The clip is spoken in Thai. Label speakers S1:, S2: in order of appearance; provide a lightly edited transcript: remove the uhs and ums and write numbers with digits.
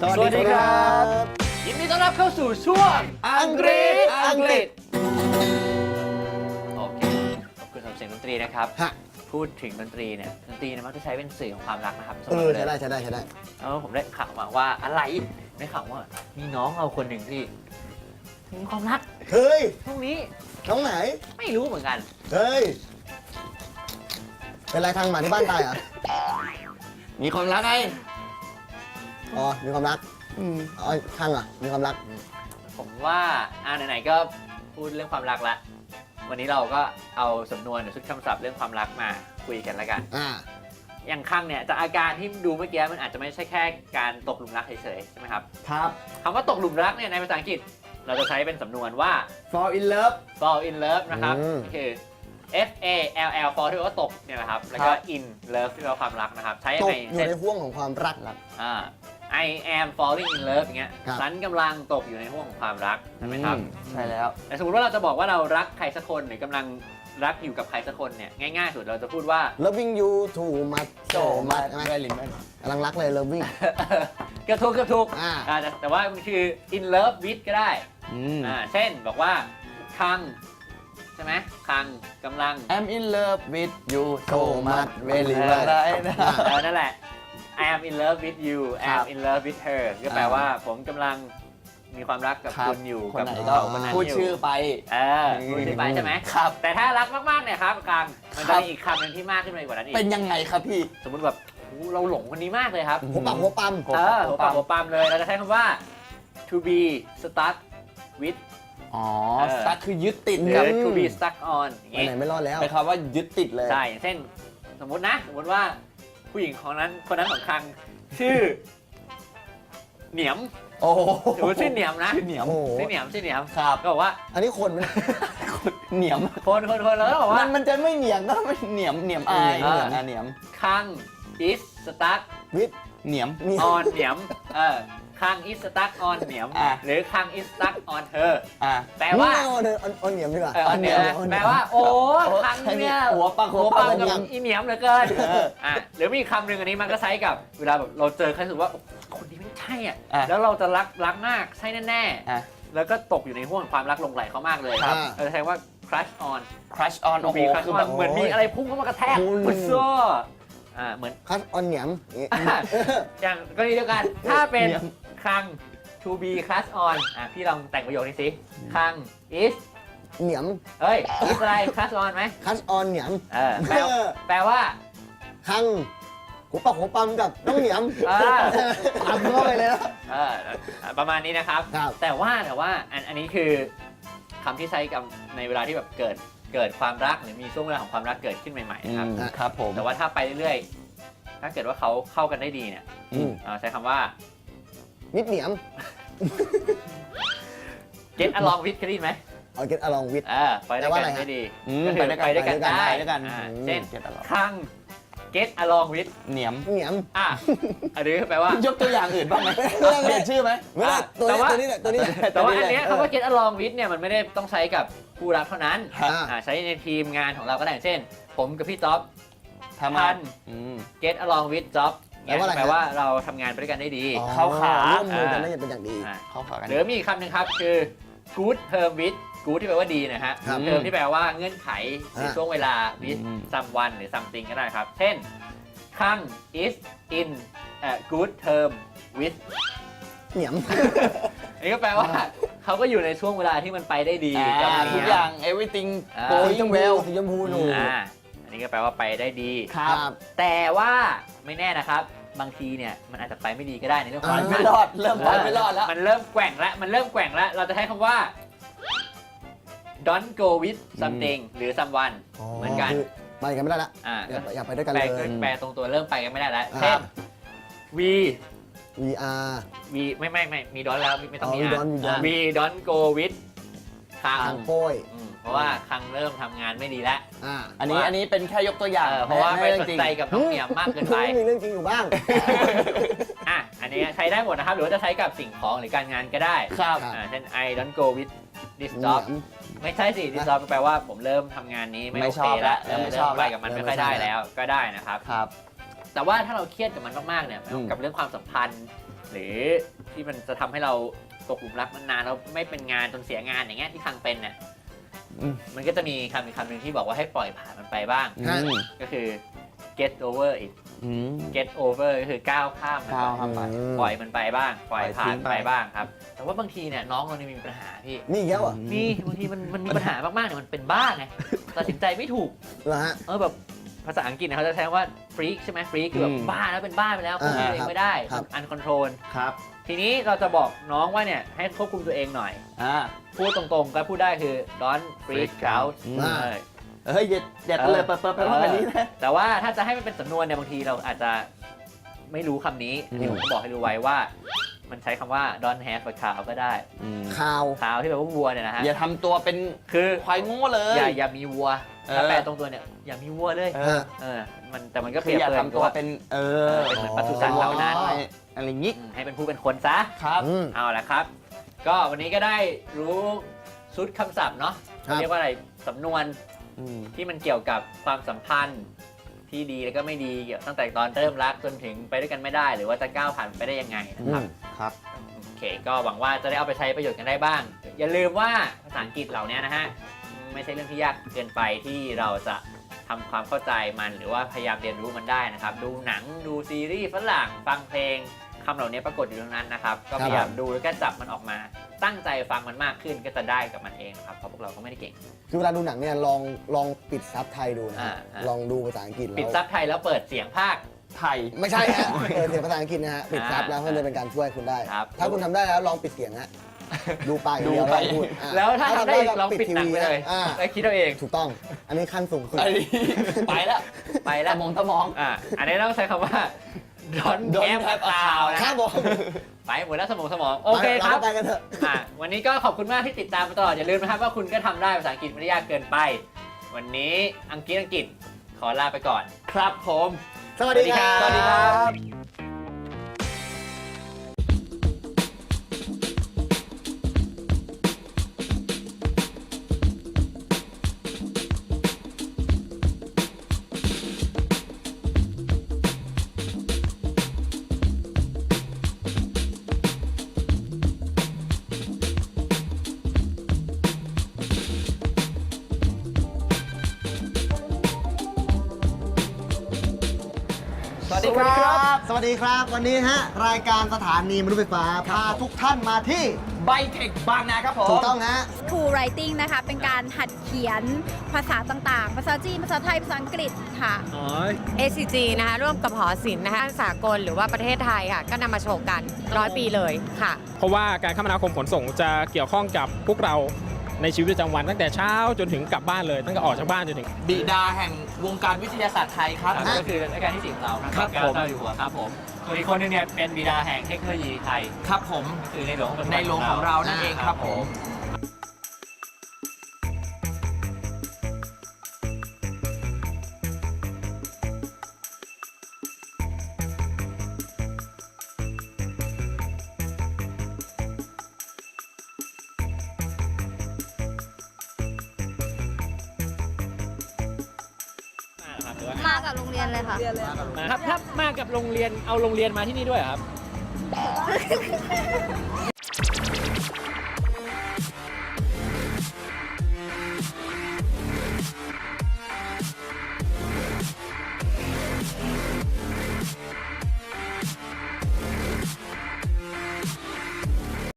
S1: สวัสดีครับยินดีต้อนรับเข้าสู่ช่วงอังกฤษโอเคขอบคุณสำหรับเสียงดนตรีนะครับพูดถึงดนตรีเนี่ยดนตรีมักจะใช้เป็นสื่อของความรักนะครับ
S2: ใช่ได้
S1: แล้วผมได้ข่าวมาว่าอะไรได้ข่าวว่ามีน้องเอาคนหนึ่งที่มีความรัก
S2: เฮ้ย
S1: ช่วงนี้
S2: น้องไหน
S1: ไม่รู้เหมือนกัน
S2: เฮ้ยเป็นไรทางหมาที่บ้านตายเหรอ
S3: มีความรักไง
S2: อ๋อมีความรักอ๋อทางมีความรัก
S1: ผมว่าไหนๆก็พูดเรื่องความรักละวันนี้เราก็เอาสำนวนหรือชุดคำศัพท์เรื่องความรักมาคุยกันแล้วกันอย่างครั้งเนี่ยจากอาการที่ดูเมื่อกี้มันอาจจะไม่ใช่แค่การตกหลุมรักเฉยๆใช่ไหมครับ
S2: ครับ
S1: คำว่าตกหลุมรักเนี่ยในภาษาอังกฤษเราจะใช้เป็นสำนวนว่า
S3: fall in love
S1: fall in love นะครับคือ F A L L fall ที่แปลว่าตกเนี่ยนะครับแล้วก็ in love ที่แปลว่าความรักนะครับใช้ยังไง
S2: อยู่ในห่วงของความรัก
S1: I am falling in love อย่างเงี้ยฉันกำลังตกอยู่ในห่วงของความรักใช่ไหมครับ
S3: ใช่แล้ว
S1: แต่สมมติว่าเราจะบอกว่าเรารักใครสักคนหรือกำลังรักอยู่กับใครสักคนเนี่ยง่ายๆสุดเราจะพูดว่า
S2: loving you too much so much ใช่ไหมกำลังรักเลย loving
S1: เกือบถูกแต่ว่ามันคือ in love with ก็ได้เช่นบอกว่าคังใช่ไหมคังกำลัง
S3: I'm in love with you so much very much
S1: นั่นแหละ I am in love with you I am in love with her ก็แปลว่าผมกำลังมีความรักกับคุณอยู่กับ
S3: เขาคนนั้นพูดชื่อไป
S1: พูดชื่อไปใช่ไหม
S3: ครับ
S1: แต่ถ้ารักมากๆเนี่ยครับคังมันจะมีอีกคำหนึ่งที่มากขึ้นไปกว่านั้นอีก
S3: เป็นยังไงครับพี่
S1: สมมติแบบเราหลงคนนี้มากเลยครับ
S2: หัวปักหัวปั๊ม
S1: หัวปั๊มเลยเราจะใช้คำว่า to be stuck with
S3: stuck คือยึดติด
S1: หรือ to be stuck on
S2: ไปไหนไม่รอดแล้ว
S3: เป็นคำว่ายึดติดเลย
S1: ใช่อย่างเช่นสมมติว่าผู้หญิงคนนั้นของคังชื่อเหนียม
S3: โอ้โห
S1: ชื่อเหนียมนะ
S3: ชื่อเหนียม
S1: ครับก็บอกว่า
S2: อันนี้คนไหม
S3: เหนียม
S1: คนแล้วก็บอกว่า
S3: มันจะไม่เหนียมก็ไม่เหนียมเหนียม
S1: คัง is stuck
S2: with
S3: เหนียม
S1: on เหนียมคัง is stuck on เหนียมหรือคัง is stuck on her แปลว่า
S2: on เหนียมดีกว่า
S1: on เหนียมแปลว่าโอ้คังเนี่ย
S3: หัวปัง
S1: กับอีเหนียมเหลือเกินหรือมีคำหนึ่งอันนี้มันก็ใช้กับเวลาแบบเราเจอใครรู้สึกว่าคนนี้ไม่ใช่แล้วเราจะรักมากใช่แน่ๆแล้วก็ตกอยู่ในห่วงความรักลงไหลเขามากเลยเราจะใช้ว่า crush on
S3: โอ้โห
S1: คือแบบเหมือนมีอะไรพุ่งเข้ามากระแทกปุ๊บซ้อเหมือน
S2: crush on เหนียม
S1: อย่างกรณีเดียวกันถ้าเป็นคัง to be crush on พี่ลองแต่งประโยคนี้สิคัง is
S2: เหนียม
S1: is อะไร crush on ไหม
S2: crush on เหนียม
S1: แปลว่า
S2: คังหัวปักหัวปั๊มกับน้องเหนียมปั๊มเข้าไปเลยนะ
S1: ประมาณนี้นะครับแต่ว่าอันนี้คือคำที่ใช้กับในเวลาที่แบบเกิดความรักหรือมีช่วงเวลาของความรักเกิดขึ้นใหม่ๆนะครับ
S3: ครับผม
S1: แต่ว่าถ้าไปเรื่อยๆถ้าเกิดว่าเขาเข้ากันได้ดีเนี่ยใช้คำว่า
S2: มิดเหนียม
S1: get along with เคยได้ยินไหม
S2: get along with
S1: ไปด้วยกันได้ดีไปด้วยกันได้เช่นคังget along with
S3: เหนียม
S1: อันนี้แปลว่าย
S3: กตัวอย่างอื่นบ้างไหมเปลี่ยนชื่อไหม
S2: ไม่ได้ตัวนี้
S1: แต่ว่าอันนี้คำว่า get along with เนี่ยมันไม่ได้ต้องใช้กับคู่รักเท่านั้นใช้ในทีมงานของเราก็ได้เช่นผมกับพี่จ๊อบทำงาน get along with job แปลว่าเราทำงานไปด้วยกันได้ดี
S2: เข้าขาร่วมมือกันได้เป็นอย่างดี
S3: เข้าขากัน
S1: หรือมีอีกคำหนึ่งครับคือ good term with good ที่แปลว่าดีนะฮะ term ที่แปลว่าเงื่อนไขในช่วงเวลา with someone หรือ something ก็ได้ครับเช่นคัง is in a good term with
S2: เหนียม
S1: นี่ก็แปลว่าเขาก็อยู่ในช่วงเวลาที่มันไปได้ดี
S3: ทุกอย่าง everything
S2: going well สีชมพูหนู
S1: อันนี้ก็แปลว่าไปได้ดี
S2: ครับ
S1: แต่ว่าไม่แน่นะครับบางทีเนี่ยมันอาจจะไปไม่ดีก็ได้ในเรื่อง
S3: ไม่รอดเริ่มไม่รอดแล้ว
S1: มันเริ่มแกว่งแล้วเราจะใช้คำว่า don't go with something หรือ someone เหมือนกัน
S2: ไปกันไม่ได้ละอย่าไปด้วยกันเลย
S1: แปลตรงตัวเริ่มไปกันไม่ได้แล้วเช่น we
S2: are
S1: ไม่มี don't แล้วไม่ต้องมีwe don't go with คัง
S2: โป้ย
S1: เพราะว่าคังเริ่มทำงานไม่ดีแล้ว
S3: อันนี้เป็นแค่ยกตัวอย่าง
S1: เพราะว่าไม่สนใจกับน้องเหนียมมากเกินไป
S2: มีเรื่องจริงอยู่บ้าง
S1: อันนี้ใช้ได้หมดนะครับหรือว่าจะใช้กับสิ่งของหรือการงานก็ได้
S3: ครับ
S1: เช่น I don't go with this job ไม่ใช่สิ this job แปลว่าผมเริ่มทำงานนี้ไม่โอเคแล้วเริ่มไปกับมันไม่ค่อยได้แล้วก็ได้นะครับ
S3: ครับ
S1: แต่ว่าถ้าเราเครียดกับมันมากๆเนี่ย
S3: อืม
S1: กับเรื่องความสัมพันธ์ หรือที่มันจะทำให้เราตกหลุมรักนานๆแล้วไม่เป็นงานจนเสียงานอย่างเงี้ยที่คังเป็นเนี่ย
S3: อืม
S1: มันก็จะมีคำหนึ่งที่บอกว่าให้ปล่อยผ่านมันไปบ้าง
S3: อืม
S1: ก็คือ get over it
S3: อืม
S1: get over ก็คือก้าวข้ามมัน
S3: ก้าว
S1: ไป
S3: ข้ามไป
S1: ปล่อยมันไปบ้าง ปล่อย
S3: ปล่อย
S1: ผ่า
S3: ทิ้
S1: น
S3: งไป
S1: ไปบ้างครับ แต่ว่าบางทีเนี่ยน้องเราเนี่ยมีปัญหาพี่
S2: นี่อีกแล้วเหรอ
S1: มีบางทีมันมีปัญหามากๆเนี่ยมันเป็นบ้าไงตัดสินใจไม่ถูก
S2: เหรอฮะ
S1: แบบภาษาอังกฤษเนี่ยเขาจะใช้ว่า freak ใช่ไหม freak คือแบบบ้าแล้วเป็นบ้าไปแล้วควบคุมตัวเองไม่ได้
S2: ครับ
S1: uncontrol
S3: ครับ
S1: ทีนี้เราจะบอกน้องว่าเนี่ยให้ควบคุมตัวเองหน่อย
S3: อ่า
S1: พูดตรงๆก็พูดได้คือ don't freak
S3: freak out
S1: out
S3: อืม
S1: เออ
S3: เฮ้ยอย่าเตลิดเปิดไปว่าแบบนี้นะ
S1: แต่ว่าถ้าจะให้มันเป็นสำนวนเนี่ยบางทีเราอาจจะไม่รู้คำนี้อันนี้ผมก็บอกให้รู้ไว้ว่า มันใช้คำว่า don't have a cow ก็ได้
S3: อืม
S2: ข่าว
S1: cow ที่แปลว่าวัวเนี่ยนะฮะ
S3: อย่าทำตัวเป็น
S1: คือ
S3: ควายโง่เลย
S1: อย่ามีวัว
S3: เออ
S1: ถ้าแปลตรงตัวเนี่ยอย่ามีวัวเลย
S3: เออ
S1: แต่มันก็เป
S3: คื
S1: รี
S3: อย
S1: บ
S3: อย่า
S1: เปรย
S3: ทำตัวเป็น
S1: เป็นเหมือนปศุสัตว์เหล่านั้น
S3: อะไรอย่างงี้
S1: ให้เป็นผู้เป็นคนซะ
S3: ครับ
S2: อืม
S1: เอาละครับ ก็วันนี้ก็ได้รู้ชุดคำศัพท์เนาะ
S2: ครับ
S1: เรียกว่าอะไรสำนวน
S3: อืม
S1: ที่มันเกี่ยวกับความสัมพันธ์ที่ดีแล้วก็ไม่ดีเกี่ยวตั้งแต่ตอนเริ่มรักจนถึงไปด้วยกันไม่ได้ หรือว่าจะก้าวผ่านไปได้ยังไงนะครับ
S3: ครับ
S1: โอเค ก็หวังว่าจะได้เอาไปใช้ประโยชน์กันได้บ้าง อย่าลืมว่าภาษาอังกฤษเหล่านี้นะฮะไม่ใช่เรื่องที่ยากเกินไปที่เราจะทำความเข้าใจมันหรือว่าพยายามเรียนรู้มันได้นะครับ ดูหนังดูซีรีส์ฝรั่งฟังเพลงคำเหล่านี้ปรากฏอยู่ตรงนั้นนะครับ ก็พยายามดูแล้วก็จับมันออกมา ตั้งใจฟังมันมากขึ้นก็จะได้กับมันเองนะครับเพราะพวกเราก็ไม่ได้เก่ง
S2: คือเวลาดูหนังเนี่ยลองปิดซับไทยดูนะ
S1: อ่า
S2: ลองดูภาษาอังกฤษ
S1: ปิด
S2: แล้ว
S1: ซับไทยแล้วเปิดเสียงภาค
S3: ไทย
S2: ไม่ใช่ฮะเปิดเสียงภาษาอังกฤษนะฮะปิดซับแล้วเพื่อจะเป็นการช่วยคุณได้
S1: ครับ
S2: ถ้าคุณทำได้แล้วลองปิดเสียงฮะดูไปอย่างเดียว
S3: ดูไป
S2: แล้วพูดอ่ะ
S1: แล้วถ้าทำได้อีก
S2: ก็
S1: ลองปิดหนังไปเลย
S2: อ่า
S1: แล้วคิดเอาเอง
S2: ถูกต้อง อันนี้ขั้นสูงสุด
S3: ไอ้นี่ไปแล้ว
S1: ไปแล้ว
S3: สมอง
S1: อันนี้ต้องใช้คำว่า don't
S3: Don't
S1: have a
S3: have a
S1: cow
S3: cow
S1: นะครับ
S2: ผม
S1: ไปหมดแล้วสมองโอเคครับ
S2: ไปกันเถอะ
S1: วันนี้ก็ขอบคุณมากที่ติดตามมาตลอดอย่าลืมนะครับว่าคุณก็ทำได้ภาษาอังกฤษไม่ได้ยากเกินไป วันนี้อังกฤษขอลาไปก่อน
S3: ครับผม
S2: สวัสดีครับ
S1: สวัสดีครับ
S3: สวัสดีครับ
S2: สวัสดีครับ วันนี้ฮะรายการสถานีมนุษย์ไฟฟ้าพาทุกท่านมาที่
S3: ไบเทคบางนาครับผม
S2: ถูกต้องฮะ
S4: True Writing นะคะ เป็นการหัดเขียนภาษาต่างๆ ภาษาจีน ภาษาไทย ภาษาอังกฤษค่ะ
S5: ACG นะคะร่วมกับหอศิลป์นะคะสากลหรือว่าประเทศไทยค่ะ ก็นำมาโชว์กัน100 ปีเลยค่ะ
S6: เพราะว่าการคมนาคมขนส่งจะเกี่ยวข้องกับพวกเราในชีวิตประจำวันตั้งแต่เช้าจนถึงกลับบ้านเลย ตั้งแต่ออกจากบ้านจนถึง
S3: บิดาแห่งวงการวิทยาศาสตร์ไทยครับ
S1: ก็คือรายการที่สี่ของเรานะครับ
S3: ครับผม
S1: เจ้าอยู่หัวครับผมส่วนอีกคนนึงเนี่ยเป็นบิดาแห่งเทคโนโลยีไทย
S3: ครับผม
S1: ก็คือในหลวงของ
S3: ในหลวงของเรานั่นเองครับผม
S4: มากับโรงเรียนเลยค่ะ
S6: ครับถ้ามากับโรงเรียนเอาโรงเรียนมาที่นี่ด้วยเหรอครับ